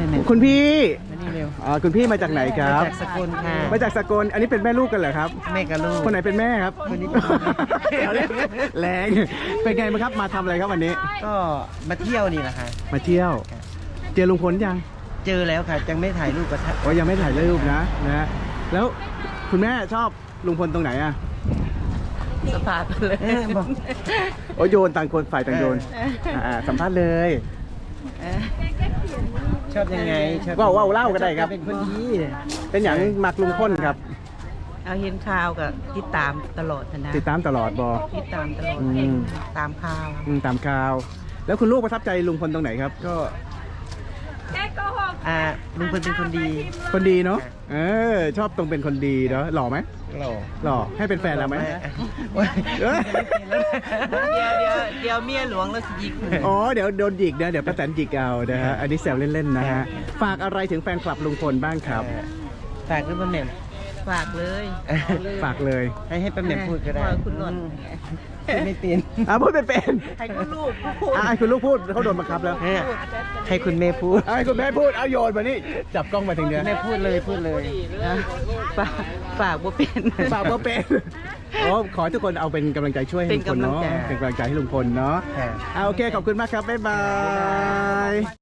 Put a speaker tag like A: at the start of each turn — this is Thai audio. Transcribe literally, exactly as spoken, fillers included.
A: หนึ่ง
B: คุณพี่
A: มานี่เร็ว
B: อ๋อคุณพี่มาจากไหนครับ
A: มาจากสกลค่ะ
B: มาจากสกลอันนี้เป็นแม่ลูกกันเหรอครับ
A: แม่กับลูก
B: คนไหนเป็นแม่ครับ
A: คนนี้เป็นแม่
B: เดี๋ยวนี้แรงเป็นไงบ้างครับมาทำอะไรครับวันนี้
A: ก็มาเที่ยวนี่แหละค่ะ
B: มาเที่ยว เจอลุงพลยัง
A: เจอแล้วค่ะยังไม่ถ่ายรูปกับท่าน
B: โอ้ยังไม่ถ่ายรูปนะนะฮะแล้วคุณแม่ชอบลุงพลตรงไหนอ่ะ
C: สภาพเลย
A: เออบอก
B: โอ้โยนต่างคนฝ่ายต่างโยนอ่าสัมภาษณ์เลย
A: ชอบยังไงชอบ
B: ว่าวว่าวเล่าก็ได้ครับ
A: เป็นคนดี
B: เป็นอย่างมักลุงพลครับ
C: เอาเห็นข่าวกับติดตามตลอดนะ
B: ติดตามตลอดบอ
C: ติดตามตลอด
B: อืม
C: ตามข่าว
B: อืมตามข่าว แล้วคุณลูกประทับใจลุงพลตรงไหนครับ ก็
A: อ่าลุงพลเป็นคนดี
B: คนดีเนาะเออชอบตรงเป็นคนดีเนาะหล่อไหม
A: หล่อ
B: หล่อให้เป็นแฟนเราไหม
A: โอ้ย
B: เอ้ย
C: เดี๋ยวเดี๋ยวเดี๋ยวเมียหลวงแล้วสิยิก
B: อ๋อเดี๋ยวโดนหยิกนะเดี๋ยวป้าแตนหยิกเอานะฮะอันนี้แซวเล่นๆนะฮะฝากอะไรถึงแฟนคลับลุงพลบ้างครับ
A: ฝากด้วยป้าแหม่ม
C: ฝากเลย
B: ฝากเลย
A: ให้ให้ป้าแหม่มพูดก็ได้
C: ว่าคุณนนท์
A: พูดไม่เป็น
B: อ่ะพูดเป็นเป็น
C: ให้คุณลูกพูด
B: อ่ะให้คุณลูกพูดเขาโดนบังคับแล้ว
A: ให้ให้คุณแม่พูด
B: อ่ะให้คุณแม่พูดเอาโยนมานี่จับกล้องมาถึงเนี้ย
A: แม่พูดเลยพูดเลย
C: นะฝากฝากบ่เป็น
B: ฝากว่าเป็นโอ้ขอให้ทุกคนเอาเป็นกำลังใจช่วยให้ลุงพลเนาะ
C: เป็นกำลังใจ
B: เป็นกำลังใจให้ลุงพลเนาะ
A: ค่ะ
B: อ่ะโอเคขอบคุณมากครับบ๊ายบาย